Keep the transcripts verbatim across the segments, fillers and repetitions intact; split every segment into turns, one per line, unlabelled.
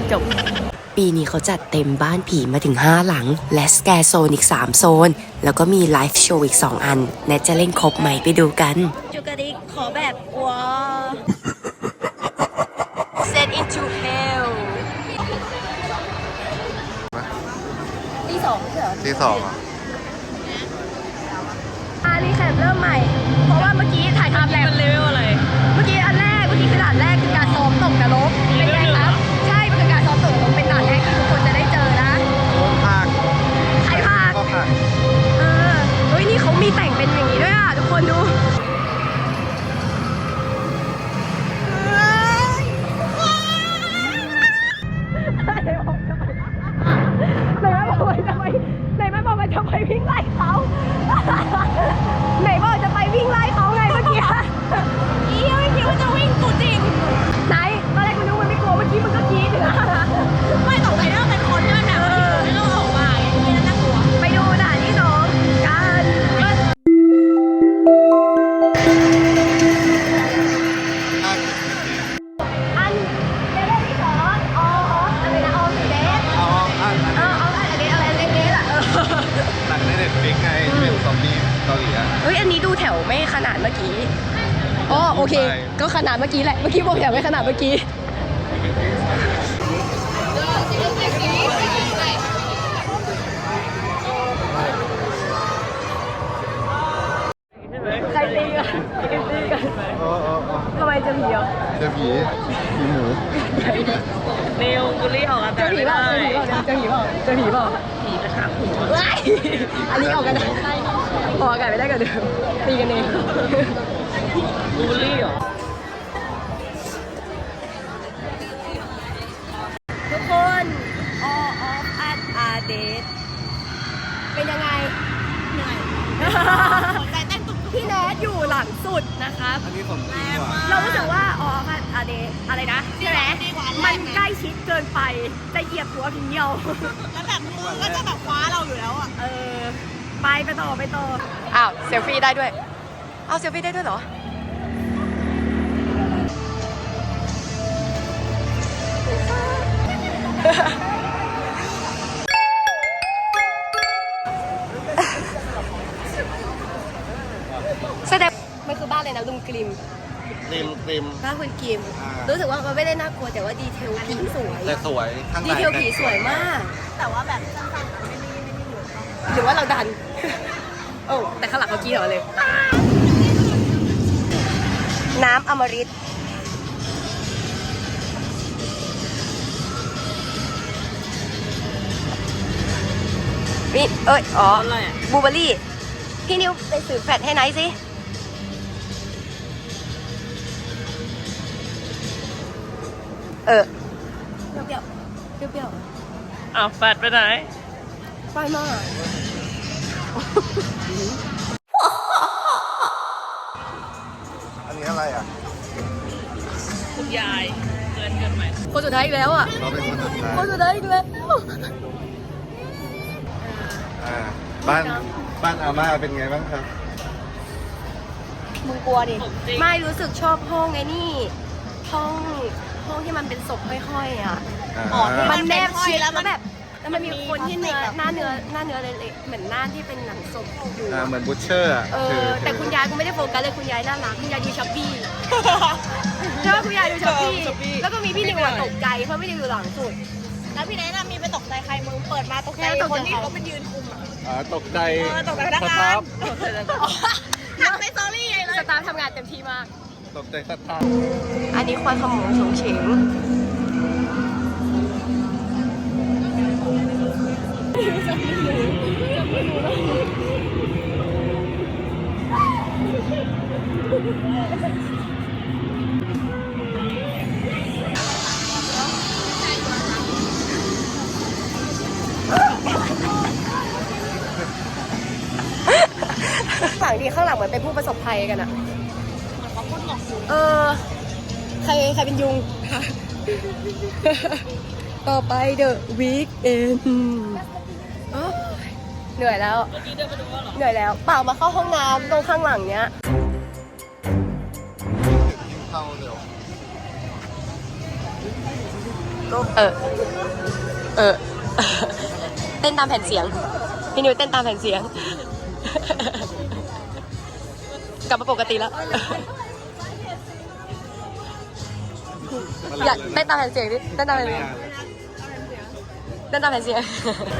จบปีนี้เขาจัดเต็มบ้านผีมาถึงห้าหลังและสแกร์โซนอีกสามโซนแล้วก็มีไลฟ์โชว์อีกสองอันแนทจะเล่นครบไหมไปดูกันจูกระดิกขอแบบว้า Set into hell ตีสองใช่เหรอ
ตีสองอ่ะ
อารีแคปเริ่มใหม่เพราะว่าเมื่อกี้ถ่ายทำแล้วเลเวลอะไรเมื่อกี้อันแรกเมื่อกี้คือด่านแรกคือการซ้อมตกนรกเป็นไงครับใช่เป็นการซ้อมตกนรกเป็นด่านแรกที่ทุกคนจะได้เจอนะ
ภาค
ใครภาค
ก็ภาค
เออเฮ้ยนี่เขามีแต่งเป็นอย่างนี้ด้วยอ่ะทุกคนดูไหนแม่บอกว่าจะไปวิ่งไล่เขาไหนบอกจะไปวิ่งไล่เขาไงเมื่อกี้อีไม่คิดว่าจะวิ่งกูจริงไหนตอนแรกกูนึกว่าไม่กลัวเมื่อกี้มึงก็กรี๊ดอยู่นะไม่ตกใจว่าเป็นคนที่มันแบบไม่ต้องออกมาไงนี่น่ากลัวไปดูด่านที่สองกันอันเดทที่สองอ๋ออะไรนะอ๋อสีเดทอ๋ออันเออเอาอะไรเดทอะไรเดทอ่ะเออ
หนังในเน็ตฟลิกไงที่เป็นซอมบี้เกาหลีอ่ะ
เฮ้ยอันนี้ดูแถวไม่ขนาดเมื่อกี้อ๋อโอเคก็ขนาดเมื่อกี้แหละเมื่อกี้บอกแถวไม่ขนาดเมื่อกี้ใครตีกันใครตีกันทำไมจะผีอ่ะ
เจอผีผีหมู
เนวบุรีออกอากาศไม่ได้
เจอผีเปล่าเจอผีเปล่า
ผีกระชากหัว
อันนี้ออกกันได้ออกอากาศไม่ได้กันเดิมตีกันเอง
บุรีเหรอ
ทุกคน all of us are dead เป็นยังไงเหนื่อยหัวใจเต้นตุ๊บพี่แนทอยู่หลังสุดนะครับ
อันนี้ผมจริงว่ะ
เรารู้สึกว่า all of us are dead อะไรนะใช่ไหมมันใกล้ชิดเกินไปจะเหยียบหัวพี่เดียว
แล้วแบบมือก็จะแบบคว้าเราอยู่แล้วอ่ะ
เออไปไปต่อไปต่ออ้าวเซลฟี่ได้ด้วยเอาเซลฟี่ได้ด้วยเหรอแสดงมันคือบ้านเลยนะลุงกริม
กริมกริม
บ้านคุณกริมรู้สึกว่ามันไม่ได้น่ากลัวแต่ว่าดีเทลผีสวย
แต่สวยข้างใน
ดีเทลผีสวยมาก
แต่ว่าแบบสั้นๆไม่ได้ไม่ได้อยู่
หรือว่าเราดันโอ้แต่ข้างหลังเขากี้เหรอเลยน้ำอมฤตนี่เอ้ยอ๋อบูเบอรี่พี่นิวไปสื่อแฟดให้ไนท์สิเออเปรี้ยวเปรี้ยวเปรี้ยวเปรี้ยว
อ้าวแฟดไปไหน
ไปมา
อันนี้อะไรอ่ะ
คุณยายเกินเกินไหม
คนสุดท้ายอีกแล้วอ่ะ
เราเป็นคนสุดท้าย
คนสุดท้ายอีกแล้ว
อ่าบ้านบ้านอาม่าเป็นไงบ้างครับ
มึงกลัวดิไม่รู้สึกชอบห้องไอ้นี่ห้องห้องที่มันเป็นศพห้อยๆอ่ะมันแนบชิดแล้วแบบแล้วมันมีคนที่เนื้อหน้าเนื้อหน้าเนื้อเละๆเหมือนหน้าที่เป็นหนังศพอยู่
อ่าเหมือนบูชเชอร์อ่ะ
เออแต่คุณยายกูไม่ได้โฟกัสเลยคุณยายน่ารักคุณยายดูช้อปปี้ใช่ไหมคุณยายดูช้อปปี้แล้วก็มีพี่นิวตกใจเพราะพี่นิวอยู่หลังสุด
แล้วพี่แนทมีไปตกใจใครมึงเปิดมาตกใจคนที่เขาเป็นยืนคุมอ่ะ
อ่าตกใจ
ตกใจพนักงานทำในสตอรี่ไงเลย
สตาร์ทำงานเต็มที่มาก
ตกใจสัตว์ทาง
อันนี้ควายขโมงฉงเฉงฝั่งดีข้างหลังเหมือนเป็นผู้ประสบภัยกันอะเออใครใครเป็นยุงต่อไปเดอะวีคเอนเหนื่อยแล้วเหนื่อยแล้วเปล่ามาเข้าห้องน้ำตรงข้างหลังเนี้ย
เข้าเร็ว
เออ เออ เต้นตามแผ่นเสียง พี่นิวเต้นตามแผ่นเสียง กลับมาปกติแล้ว อยากเต้นตามแผ่นเสียงดิเต้นตามแผ่นเสียงเต้นตามแผ่นเสียง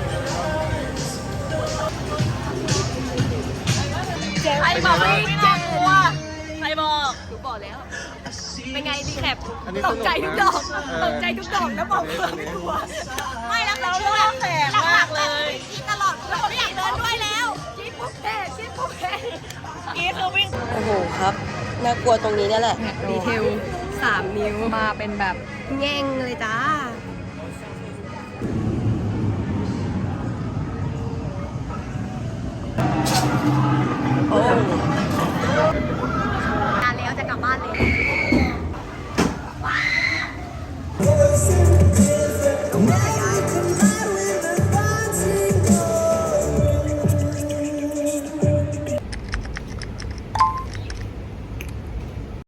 ใครบอกไม่ไม่น่ากลัวใครบอกหนูบอกแล้ว
เป็นไงดีแคป
อันนี้
ตกใจทุกดอก
เออ
ตกใจทุกดอกแล้วบอกเพื่อนไม่กลัว
ไม่แล้วเรา
เรื่องแสบมากเลย
กินตลอดแล้วไม่อยากเดินด้วยแล้ว
คิดปุ๊บแพ้คิดปุ๊บแพ้
กี้คือวิ่ง
โอ้โหครับ น่ากลัวตรงนี้เนี่ยแหละ
ดีเทล
สามนิ้ว
มาเป็นแบบ
แง่งเลยจ้า